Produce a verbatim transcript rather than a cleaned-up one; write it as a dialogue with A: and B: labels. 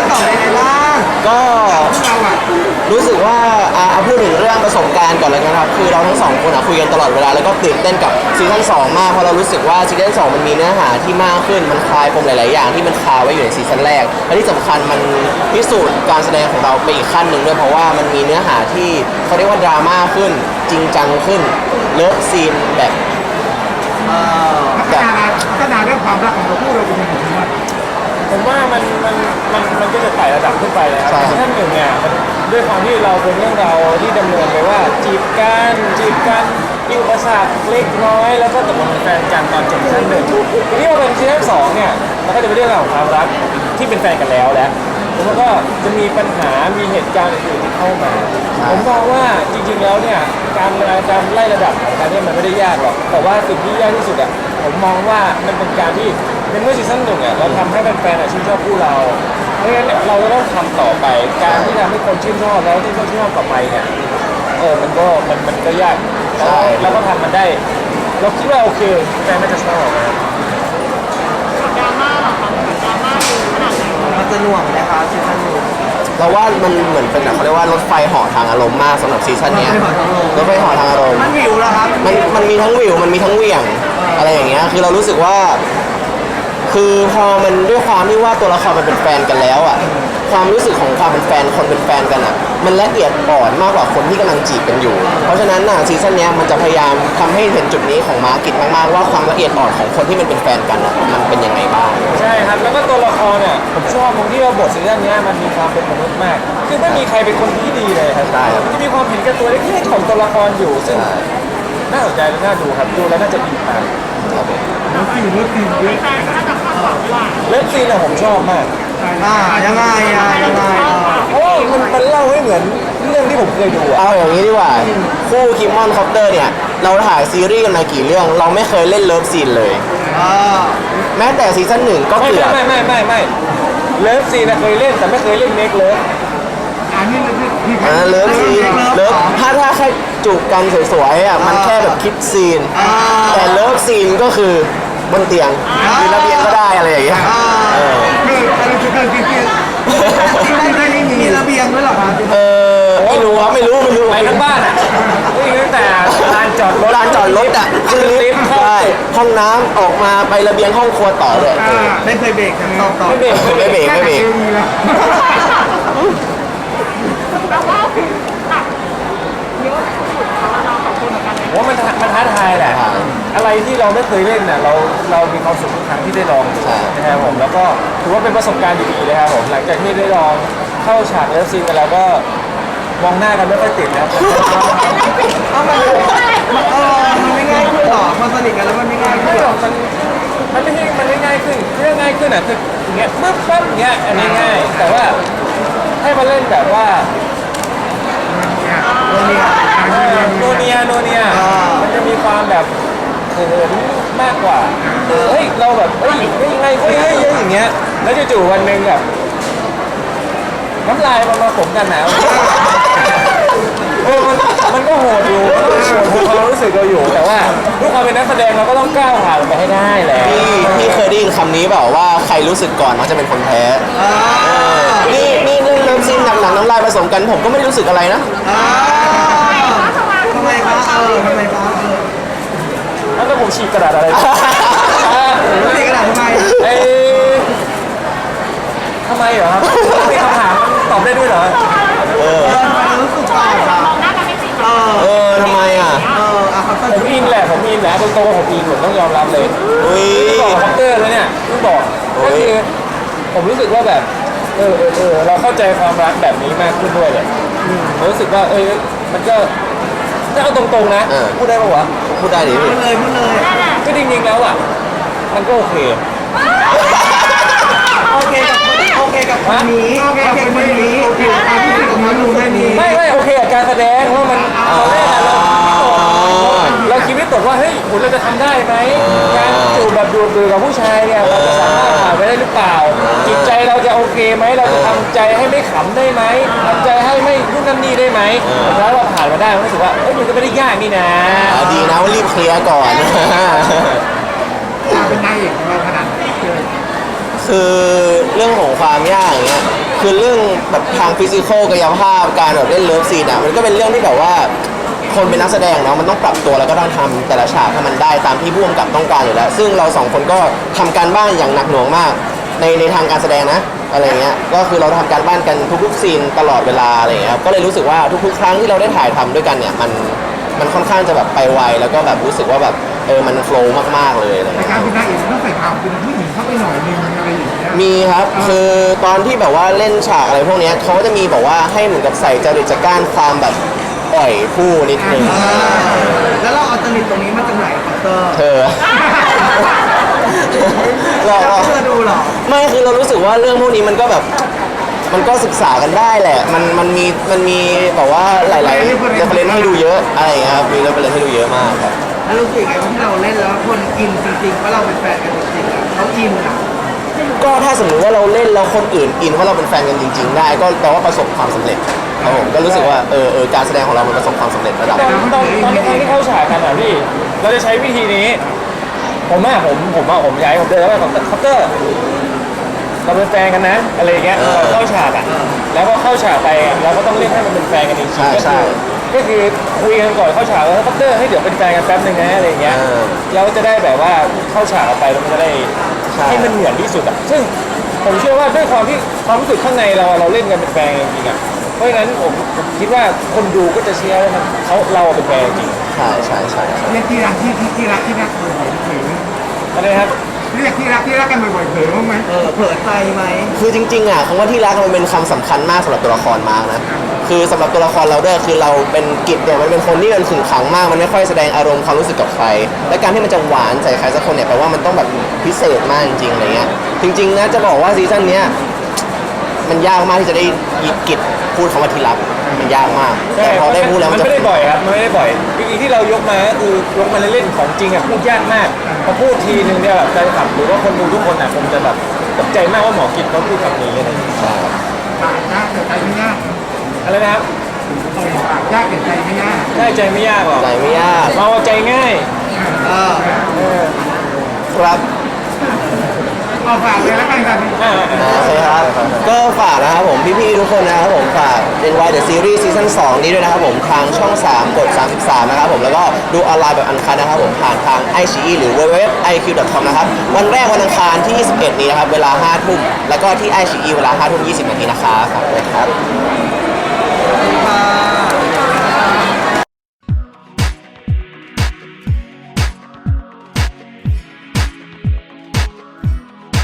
A: สองเป็นไงบ้าง
B: ก็
A: เราอะ
B: รู้สึกว่าอ่าเอาพูดถึงเรื่องประสบการณ์ก่อนเลยนะครับคือเราทั้งสองคนอ่ะคุยกันตลอดเวลาแล้วก็ตื่นเต้นกับซีซั่นสองมากเพราะเรารู้สึกว่าซีซั่นสองมันมีเนื้อหาที่มากขึ้นมันคลายปมหลายๆอย่างที่มันคาไว้อยู่ในซีซั่นแรกและที่สำคัญมันพิสูจน์การแสดงของเราไปอีกขั้นหนึ่งด้วยเพราะว่ามันมีเนื้อหาที่เขาเรียกว่าดราม่าขึ้นจริงจังขึ้นเลิฟซีนแบบ
A: พัฒนาพัฒนาเรื่องความรักของเราคู่เราเป็นยังไงบ้าง
C: ผมว่ามันมันมันมันก็จะไต่ระดับขึ้นไปนะครับซีซั่นหนึ่งเนี่ยมันด้วยความที่เราเป็นเรื่องเราที่ดำเนินไปว่าจีบกันจีบกันมีอุปสรรคเล็กน้อยแล้วก็ตกลงเป็นแฟนกันตอนจบซีซั่นหนึ่งทีนี้พอเป็นซีซั่นสองเนี่ยมันก็จะเป็นเรื่องราวของความรักที่เป็นแฟนกันแล้วแหละแล้วก็จะมีปัญหามีเหตุการณ์อื่นๆที่เข้ามาผมมองว่าจริงๆแล้วเนี่ยการการไล่ระดับของการเนี่ยมันไม่ได้ยากหรอกแต่ว่าสิ่งที่ยากที่สุดอ่ะผมมองว่ามันเป็นการที่ในเมื่อซีซั่นหนึ่งอ่ะเราทำให้แฟนๆชื่นชอบคู่เราเพราะฉะนั้นเราจะต้องทำต่อไปการที่ทำให้คนชื่นชอบแล้วที่เขาชื่นชอบต่อไปเนี่ยเออมันก็มันมันก็ยากแล้วก็ทำมันได้เราคิดว่าโอเคแฟนน่าจะชอบนะครับ
D: ดราม่าหรอคะดราม่าดูขนาดไหน
A: มันจะหน่วงนะคะซีซั่นนี้
B: เราว่ามันเหมือนเป็นเขาเรียกว่ารถไฟเหาะทางอารมณ์มากสำหรับซีซั่นนี้รถไฟเหาะทางอารมณ์
A: มันวิวแล้วครับ
B: มันมันมีทั้งวิวมันมีทั้งเหวี่ยงอะไรอย่างเงี้ยคือเรารู้สึกว่าคือพอมันด้วยความที่ว่าตัวละครมันเป็นแฟนกันแล้วอ่ะความรู้สึกของความเป็นแฟนคนเป็นแฟนกันอ่ะมันละเอียดอ่อนมากกว่าคนที่กำลังจีบกันอยู่เพราะฉะนั้นน่ะซีซั่นนี้มันจะพยายามทำให้เห็นจุดนี้ของมาร์กิตมากๆว่าความละเอียดอ่อนของคนที่มันเป็นแฟนกันอ่ะมันเป็นยังไงบ้าง
C: ใช่ครับแล้วก็ตัวละครเนี่ยผมชอบตรงที่ว่าบทซีซั่นนี้มันมีความเป็นมนุษย์มากคือไม่มีใครเป็นคนที่ดีเลยครับมันจะมีความเห็นแก่ตัวเล็กๆของตัวละครอยู่ซึ่งน่าสนใจและน่าดูครับดูแล้วน่าจะดีมาก
A: เลิฟซีนเลิฟซีนเยอะ
D: แฟนถ้าจะคาดหวังว่า
C: เลิฟซีนอะผมชอบมาก
A: อ่ายังไงอ่ะยังไง
C: เพราะมันมันเล่าให้เหมือนเรื่องที่ผมเคยดู
B: เอาอย่างนี้ดีกว่าคู่คิมมอนคอปเตอร์เนี่ยเราถ่ายซีรีส์กันมากี่เรื่องเราไม่เคยเล่นเลิฟซีนเลยแม้แต่ซีซั่นหนึ่งก็เกือบ
C: ไม่ไม่ไม่ไม่เลิฟซีนเคยเล่นแต่ไม่เคยเล่นเมคเลิฟ
A: อันนี้
B: อ่าเลิฟซีนเลิฟถ้าถ้าแค่จูบกันสวยๆอ่ะมันแค่แบบคิดซีนแต่เลิฟซีนก็คือบนเตียงหรือระเบียงก็ได้อะไรอย่างเงี้ย
A: คืออะไรคือการกินที่ได้ไม่มีระเบียงด้วยหรอครับ
B: เออไม่รู้ครับไม่รู้ไม่รู้
C: ไปทั้งบ้านอ่ะวิ่งตั้งแต่ลานจอดรถ
B: ลานจอดรถอ่ะคือลิฟต์ใช่ห้องน้ำออกมาไประเบียงห้องครัวต่อเลย
A: ไม่เคยเบรกต่อต่อ
C: ไม่เบรก
B: ไม่เบรกไม่เบรก
D: แล้วว่าตัดเยอะสุดเราสองคนเหมือนกันเลย
C: ว่ามันมันท้าทายแหละอะไรที่เราไม่เคยเล่นน่ะเราเรามีความสุขทุกครั้งที่ได้ลองนะครับผมแล้วก็ถือว่าเป็นประสบการณ์ดีๆเลยครับผมหลังจากที่ได้ลองเข้าฉากเลิฟซีนกันแล้วก็มองหน้ากันไม่ค่อยติดนะ
A: เอามันมันเออมันไม่ง่ายขึ้นหรอพอสนิทกันแล้วมันไม่ง่ายขึ้นหรอ
C: มันมันไม่ใช่มันไม่ง่ายขึ้นเรื่องง่ายขึ้นอ่ะคืออย่างเงี้ยปึ๊บปั๊บอย่างเงี้ยอันนี้ง่ายแต่ว่าให้มาเล่นแบบว่า
A: โนเนีย
C: โนเนียโนเนียมันจะมีความแบบเขินมากกว่าเฮ้ยเราแบบเฮ้ยยังไงเฮ้ยเฮ้ยอย่างเงี้ยแล้วจู่ๆวันหนึ่งแบบน้ำลายมันมาขมกันหนาวเออมันมันก็โหดอยู่มันก็โหดในความรู้สึกเราอยู่แต่ว่าด้วยความเป็นนักแสดงเราก็ต้องก้าวผ่านไปให้ได้แหละ
B: พี่พี่เคยได้ยินคำนี้เปล่าว่าใครรู้สึกก่อนมักจะเป็นคนแพ้นี่นี่เรื่องเลิฟซีนหนักๆน้ำลายผสมกันผมก็ไม่ได้รู้สึกอะไรนะ
A: ทำไมคะเออทำไมคะ
C: แล้วผมฉีกกระดาษอะไร
A: ฉีกกระดาษทำไม
C: ไอ้ทำไมเหรอครับมีคำถามตอบได้ด้วยเหรอ
B: เออ
A: รู้สึกก่อนค่ะ
B: เออทำไมอ่ะ
C: ผมอินแหละผมอินแหละตรงๆผมอินผมต้องยอมรับเลยที่บอกคอปเตอร์แล้วเนี่ยที่บอกก็คือผมรู้สึกว่าแบบเออเออเออเราเข้าใจความรักแบบนี้มากขึ้นด้วยเลยรู้สึกว่าเออมันก็ถ้าเอาตรงๆนะพูดได้ปะวะ
B: พูดได้ดิ
A: พูดเลยพูดเลย
C: ก็จริงๆแล้วอ่ะมันก็โอเค
A: โอเคกับโอเคกับคนนี้โอเคกับคนนี้โอเคกับคนนี้กับน้องแค่นี้
C: ไม่ไม่โอเคกับการแสดงว่ามันตอนแรกเราเราคิดไม่ตกว่าเฮ้ยคุณเราจะทำได้ไหมการจูบแบบดูดๆกับผู้ชายเนี่ยเราจะสามารถผ่านไปได้หรือเปล่าจิตใจเราจะโอเคไหมเราจะทำใจให้ไม่ขำได้ไหมทำใจให้ไม่รุ่นนั่นนี่ได้ไหมแล้วเราผ่านมาได้รู้สึกว่าเอ้ยมันก็ไม่ได้ยากนี่นะ
B: ดีนะว่ารีบเคลียร์ก่อน
A: เป็นนายเอกของเราขนาดไหน
B: คือเรื่องของความยากอย่างเงี้ยคือเรื่องแบบทางฟิสิกอลกายภาพการแบบเล่นเลิฟซีนอ่ะมันก็เป็นเรื่องที่แบบว่าคนเป็นนักแสดงเนาะมันต้องปรับตัวแล้วก็ต้องทำแต่ละฉากให้มันได้ตามที่ผู้กำกับต้องการอยู่แล้ว ซึ่งเราสองคนก็ทำการบ้านอย่างหนักหน่วงมากในในทางการแสดงนะอะไรเงี้ยก็คือเราทำการบ้านกันทุกๆซีนตลอดเวลาอะไรเงี้ยครับก็เลยรู้สึกว่าทุกๆครั้งที่เราได้ถ่ายทำด้วยกันเนี่ยมันมันค่อนข้างจะแบบไปไวแล้วก็แบบรู้สึกว่าแบบเออมันโฟล์มากๆเลยอะไร
E: แต่
B: เงี้ย
E: การเป็นนางเอกมันต้องใส่ความเป็นผู้หญิงเข้าไปหน่อยนึงอะไรอย่างเงี้ย
B: มีครับคือตอนที่แบบว่าเล่นฉากอะไรพวกเนี้ยเขาก็จะมีบอกว่าให้เหมือนกับใส่จริตจักร้านความแบบอ่อยผู้นิดนึง
A: อ่าแล้วเราเอาจริตตรงนี้มาจากไหนคอปเตอร์
B: เธอเรา
A: แล้ว
B: เรา
A: เธอดูเหรอ
B: ไม่คือเรารู้สึกว่าเรื่องพวกนี้มันก็แบบมันก็ศึกษากันได้แหละ มันมันมีมันมีแบบว่าหลายๆเรฟเฟรนซ์ให้ดูเยอะอะไรอย่างเงี้ยครับมีเรฟเฟรนซ์ให้ดูเยอะมากครับ
A: แล้วรู้สึกไงว่าที่เราเล่นแล้วคนอินจริงๆว่าเราเป็นแฟนกันจริงๆอะเขาอินอ่ะ
B: ก็ถ้าสมมติว่าเราเล่นแล้วคนอื่นอินว่าเราเป็นแฟนกันจริง ๆ ได้ ก็แปลว่าประสบความสำเร็จครับผมก็รู้สึกว่าเออเออการแสดงของเรามันประสบความสำเร็จระดับ
C: ตอนตอนตอนที่ที่เข้าฉากกันอ่ะพี่เราจะใช้วิธีนี้ ผมอ่ะผมผมอ่ะผมย้ายผมเดินแล้วแบบคัพเตอร์เราเป็นแฟนกันนะอะไรอย่างเงี้ย
B: เออ
C: เข้าฉากอ่ะแล้วก็เข้าฉากไปเราก็ต้องเล่นให้มันเป็นแฟนกันจริง
B: ใช่
C: ๆก็
B: ใช่
C: คือก็คือคุยกันก่อนเข้าฉากแล้วคัพเตอร์ให้เดี๋ยวเป็นแฟนกันแป๊บนึงนะอะไรอย่างเงี้ย
B: เออ
C: เราจะได้แบบว่าเข้าฉากออกไปแล้วมันจะได้
B: ใช่
C: ให้มันเหมือนที่สุดอ่ะซึ่งผมเชื่อว่าด้วยความที่ความรู้สึกข้างในเราเราเล่นกันเป็นแฟนกันจริงๆอ่ะเพราะฉะนั้นผมผมคิดว่าคนดูก็จะเชื่อว่ามันเขาเราเป็นแฟนจริง
B: ใช่ใช่ใช่ใช่
E: เรียกที่รักที่ที่ที่รักที่รักบ่อยๆเผยไหม
C: อะไรนะครับ
E: เรียกที่รักที่รักกันบ่อยๆเผยบ้างไหม
A: เออเผลอใจไหม
B: คือจริงๆอ่ะคำว่าที่รักมันเป็นคำสำคัญมากสำหรับตัวละครมากนะคือสำหรับตัวละครเราด้วยคือเราเป็นกิจเนี่ยมันเป็นคนที่มันขึงขังมากมันไม่ค่อยแสดงอารมณ์ความรู้สึกกับใคร และการที่มันจะหวานใส่ใครสักคนเนี่ยแปลว่ามันต้องแบบพิเศษมากจริงๆอะไรเงี้ยจริงๆนะจะบอกว่าซีซั่นเนี้ยมันยากมากที่จะได้ยิบกิจพูดคำว่าที่รักมันยากมากแต่พอได้พูดแล้ว
C: มั
B: มัน
C: น
B: จะ
C: ไม่ได้บ่อยครับมันไม่ได้บ่อยจริงๆที่เรายกมาก็คือยกมาเล่นๆของจริงอ่ะพูดยากมากพอพูดทีนึงเนี่ยแบบใจขับหรือว่าคนดูทุกคนอ่ะคงจะแบบตกใจมากว่าหมอกิจเขาพูดคำนี้อะไรอย่างเงี้ย
E: ปากยากแต่ใจไม่ยาก
C: อะไรนะครับ
E: ปากยากแต่ใจไม่ยาก
C: ได้ใจไม่ยากหรอก
B: ใจไม่ยาก
C: เราใจง่าย
A: เออ
C: เออ
B: ครับ
E: เอาฝากเลยแล้วกันครับ
C: อ่า
B: อ่าโอเคครับ ก็ฝากนะครับผมพี่ๆทุกคนนะครับผมฝาก เอ็น วาย The Series ซีซั่นสองนี้ด้วยนะครับผมทางช่องสามกดสามสิบสามนะครับผมแล้วก็ดูออนไลน์แบบอันคัดนะครับผมผ่านทาง ไอ ซี อี หรือ ดับเบิลยู ดับเบิลยู ดับเบิลยู ดอท ไอ คิว ดอท คอม นะครับวันแรกวันอังคารที่ยี่สิบเอ็ดนี้นะครับเวลาห้าทุ่มแล้วก็ที่ ไอ ซี อี เวลาห้าทุ่มยี่สิบนาทีนะครับฝากด้วยครับ
A: ครับ